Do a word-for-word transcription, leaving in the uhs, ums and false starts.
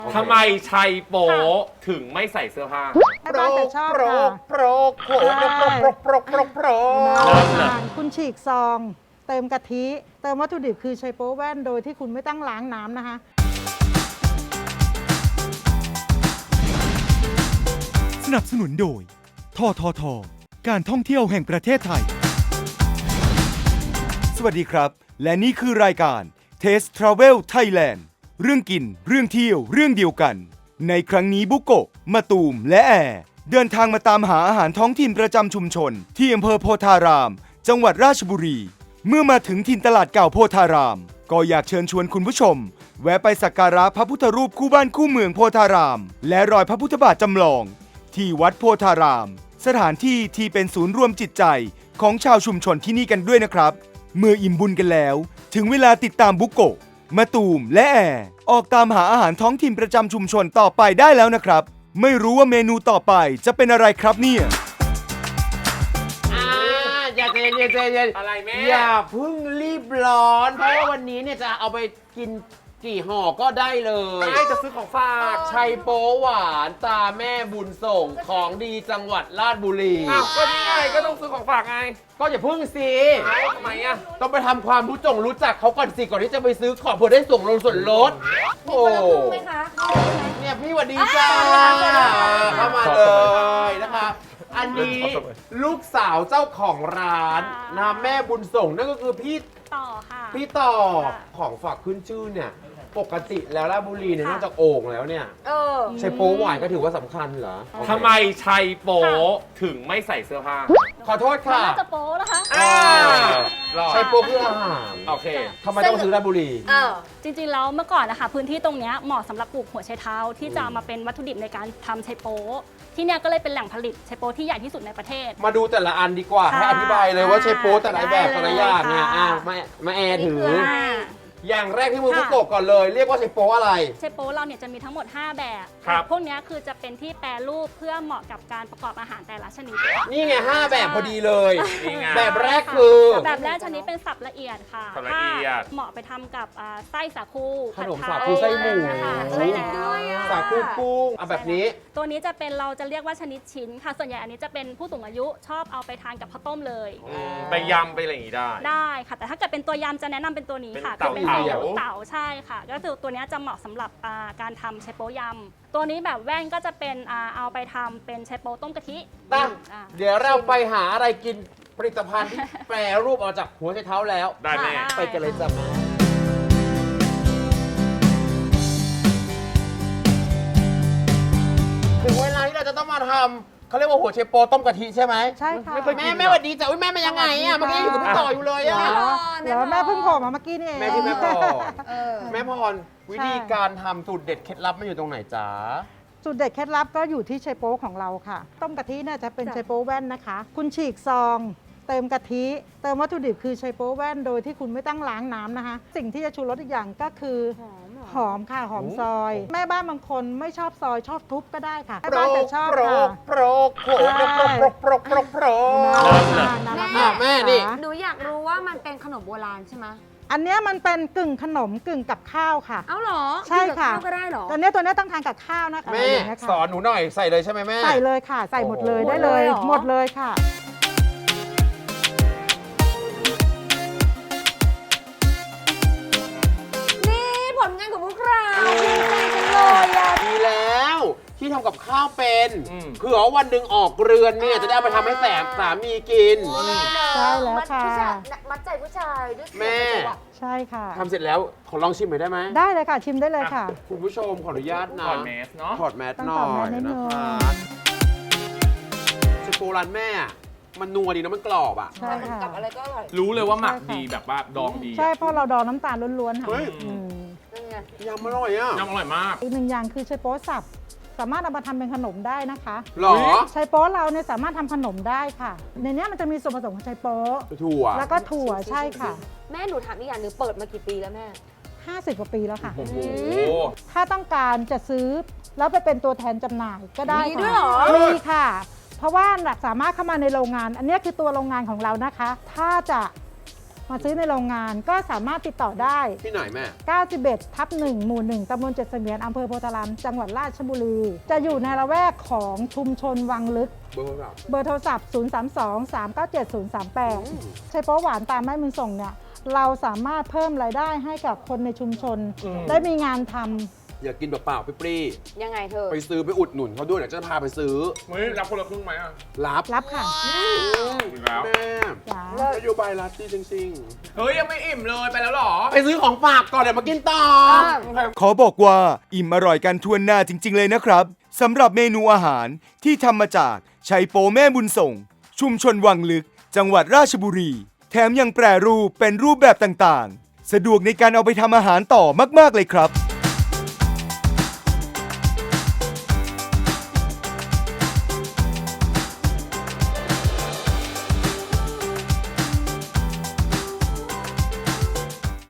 ทำไมชัยโป๊ถึงไม่ใส่เสื้อผ้าแม่บ้านจะชอบโปรค่ะกโปรกโปรกโปรกโปรกโปรกโปรกโปรกเริ่มเลยคุณฉีกซอง เติมกะทิ เติมวัตถุดิบคือไชโป๊แว่นโดยที่คุณไม่ต้องล้างน้ำนะคะสนับสนุนโดยททท การท่องเที่ยวแห่งประเทศไทย สวัสดีครับ และนี่คือรายการ Taste Travel Thailand เรื่องกิน เรื่องเที่ยว เรื่องเดียวกัน ในครั้งนี้บุโกะมาตูม และแอร์เดินทางมาตามหาอาหารท้องถิ่นประจำชุมชน ที่อำเภอโพธาราม จังหวัดราชบุรี เมื่อมาถึงถิ่นตลาดเก่าโพธาราม ก็อยากเชิญชวนคุณผู้ชม แวะไปสักการะพระพุทธรูปคู่บ้านคู่เมืองโพธาราม และรอยพระพุทธบาทจำลอง ที่วัดโพธาราม สถานที่ที่เป็นศูนย์รวมจิตใจของชาวชุมชนที่นี่กันด้วยนะครับ เมื่ออิ่มบุญกันแล้ว ถึงเวลาติดตามบุโกะมาตูมและแอร์ออกตามหาอาหารท้องถิ่นประจำชุมชนต่อไปได้แล้วนะครับ ไม่รู้ว่าเมนูต่อไปจะเป็นอะไรครับเนี่ยอ่าอย่าใจเย็นใจเย็นอะไรแม่อย่าเพิ่งรีบร้อน เพราะว่าวันนี้เนี่ยจะเอาไปกินกี่ห่อก็ได้เลยไม่จะซื้อของฝากชัยโป๊หวานตาแม่บุญส่งของดีจังหวัดราชบุรีอ้าวก็นี่ไงก็ต้องซื้อของฝากไงก็อย่าเพิ่งสิเอ้าทำไมอ่ะต้องไปทำความรู้จงรู้จักเขาก่อนสิก่อนที่จะไปซื้อของเพื่อได้ส่งลงส่วนลดโอ้ไหมคะเนี่ยพี่หวัดดีจ้าอ่าเข้ามาเลยนะคะ อันนี้ลูกสาวเจ้าของร้านนะแม่บุญส่งนั่นก็คือพี่ต่อค่ะพี่ต่อค่ะของฝากขึ้นชื่อเนี่ยปกติแล้วราชบุรีเนี่ยนอกจากโอ่งแล้วเนี่ยเออใช้โป๊หวานก็ถือว่าสำคัญเหรอทำไมชัยโป๊ถึงไม่ใส่เสื้อผ้าขอโทษค่ะน่าจะโป๊นะคะอ่ารอใช้โป๊คืออาหารโอเคทำไมต้องซื้อราชบุรีเออ จริงๆแล้วเมื่อก่อนนะคะพื้นที่ตรงเนี้ยเหมาะสำหรับปลูกหัวไชเท้าที่จะเอามาเป็นวัตถุดิบในการทำไชโป๊ที่เนี่ยก็เลยเป็นแหล่งผลิตไชโป๊ที่ใหญ่ที่สุดในประเทศมาดูแต่ละอันดีกว่าค่ะให้อธิบายเลยว่าใช้โป๊แต่ละแบบได้เลยแต่ละอย่างเนี่ยค่ะอ่ะมามาแอร์ถือนี่คืออย่างแรกที่มือค่ะพุกโกะก่อนเลย เรียกว่าใช้โป๊อะไรไชโป๊เราเนี่ยจะมีทั้งหมด ห้า แบบครับพวกเนี้ยคือจะเป็นที่แปรรูปเพื่อเหมาะกับการประกอบอาหารแต่ละชนิดนี่ไงห้าแบบพอดีเลยนี่ไงแบบแรกคือแบบแรกชนิดเป็นสับละเอียดค่ะสับละเอียดเหมาะไปทำกับอ่าไส้สาคูขนมผัดไทยสาคูไส้หมูค่ะใช่แล้วสาคูกุ้งเอาแบบนี้ตัวนี้จะเป็นเราจะเรียกว่าชนิดชิ้นค่ะ ส่วนใหญ่อันนี้จะเป็นผู้สูงอายุชอบเอาไปทานกับข้าวต้มเลยไปยำไปอะไรอย่างงี้ได้ได้ค่ะ แต่ถ้าเกิดเป็นตัวยำจะแนะนำเป็นตัวนี้ค่ะเป็นคือเป็นเต่าไข่เต่าใช่ค่ะ ก็คือตัวนี้จะเหมาะสำหรับอ่าการทำไชโป๊ยำตัวนี้แบบแว่นก็จะเป็นอ่าเอาไปทำเป็นไชโป๊ต้มกะทิตั้งอ่าเดี๋ยวเราไปหาอะไรกินผลิตภัณฑ์ที่แปรรูปออกจากหัวไชเท้าแล้วได้แม่ค่ะไปกันเลยจ้ะแม่ถึงเวลาที่เราจะต้องมาทำเขาเรียกว่าหัวไชโปต้มกะทิใช่ไหมใช่ค่ะไม่เคยแม่แม่สวัสดีจ้ะอุ้ยแม่มายังไงอ่ะเมื่อกี้อยู่กับพี่ต่ออยู่เลยอ่ะเดี๋ยวแม่เพิ่งโผล่มาเมื่อกี้นี่เองแม่ที่แม่พรเออแม่พรวิธีการทำสูตรเด็ดเคล็ดลับมันอยู่ตรงไหนจ๊ะสูตรเด็ดเคล็ดลับก็อยู่ที่ไชโป๊ของเราค่ะ ต้มกะทิเนี่ยจะเป็นจ้ะไชโป๊แว่นนะคะ คุณฉีกซอง เติมกะทิ เติมวัตถุดิบคือไชโป๊แว่นโดยที่คุณไม่ต้องล้างน้ำนะคะ สิ่งที่จะชูรสอีกอย่างก็คือหอมเหรอหอมค่ะหอมซอย แม่บ้านบางคนไม่ชอบซอยชอบทุบก็ได้ค่ะโปแม่รบ้านกจะชอบโปรค่ะกโปรกโปรกโปรกโปรกโปรกโปรกโปรกโปรกเริ่มเลยนั่นแหละแม่ค่ะแม่นี่หนูอยากรู้ว่ามันเป็นขนมโบราณใช่ไหมอันเนี้ยมันเป็นกึ่งขนมกึ่งกับข้าวค่ะเอ้าเหรอใช่ค่ะกินกับข้าวก็ได้เหรอตัวเนี้ยตัวเนี้ยต้องทานกับข้าวนะคะแม่อย่างเงี้ยค่ะสอนหนูหน่อยใส่เลยใช่ไหมแม่ใส่เลยค่ะ ใส่หมดเลยโอ้โหได้เลยหมดเลยเหรอหมดเลยค่ะนี่ผลงานของพวกเราดีใจจังเลยอะดีแล้วที่ทำกับข้าวเป็นอืมเผื่อว่าวันหนึ่งออกเรือนเนี่ยจะได้เอาไปทำให้แสบสามีกินใช่แล้วค่ะมัดผู้ชายมัดใจผู้ชายด้วยเสียงแม่จังหวะใช่ค่ะทำเสร็จแล้วขอลองชิมหน่อยได้ไหมได้เลยค่ะ ชิมได้เลยค่ะคุณผู้ชมขออนุญาตนะก่อนเมสเนาะถอดแมสต้องหน่ถออดแมยสนิดนึนะงคะสโปร้านแม่อะมันนัวดีนะมันกรอบอ่ะใช่ค่ะกับอะไรก็อร่อยรู้เลยว่าหมักใช่ค่ะดีแบบว่าดองดีใช่เพราะเราดองน้ำตาลล้วนๆค่ะเฮ้ยอืมนั่นไงยำอร่อยอ่ะน้ำอร่อยมากอีกหนึ่งอย่างคือไชโป๊สับ สามารถเอามาทำเป็นขนมได้นะคะหรอไชโป๊เราเนี่ยสามารถทำขนมได้ค่ะ ในเนี้ยมันจะมีส่วนผสมของไชโป๊ถั่วแล้วก็ถั่วใช่ค่ะแม่หนูถามอีกอย่างหนึ่งเปิดมากี่ปีแล้วแม่ห้าสิบกว่าปีแล้วค่ะโอ้โหถ้าต้องการจะซื้อแล้วไปเป็นตัวแทนจำหน่ายก็ได้มีด้ค่ะวยเหรอมีค่ะ เพราะว่าสามารถเข้ามาในโรงงาน อันนี้คือตัวโรงงานของเรานะคะ ถ้าจะมาซื้อในโรงงานก็สามารถติดต่อได้ที่ไหนแม่เก้าสิบเอ็ดทับหนึ่งหมู่หนึ่งตำบลเจ็ดเสมียนอำเภอโพธารามจังหวัดราชบุรี จะอยู่ในละแวกของชุมชนวังลึกเบอร์โทรศัพท์เบอร์โทรศัพท์ ศูนย์ สาม สอง สาม เก้า เจ็ด ศูนย์ สาม แปด ใช้โป๊หวานตามแม่บุญส่งเนี่ยเราสามารถเพิ่มรายได้ให้กับคนในชุมชน ได้มีงานทำอย่ากินเปล่าๆปรี้ยังไงเธอๆไปซื้อไปอุดหนุนเขาด้วยเดี๋ยวจะพาไปซื้อเฮ้ยรับคนละครึ่งไหมอ่ะรับรับค่ะอีกแล้วแม่จ้านโยบายรัฐดีจริงเฮ้ย ยังไม่อิ่มเลยไปแล้วเหรอๆ ไปซื้อของฝากก่อนเดี๋ยวมากินต่อขอบอกว่าอิ่มอร่อยกันทวนหน้าจริง ๆ เลยนะครับสำหรับเมนูอาหารที่ทำมาจากชัยโปแม่บุญส่ง ชุมชนวังลึก จังหวัดราชบุรี แถมยังแปรรูปเป็นรูปแบบต่างๆ สะดวกในการเอาไปทำอาหารต่อมากๆเลยครับ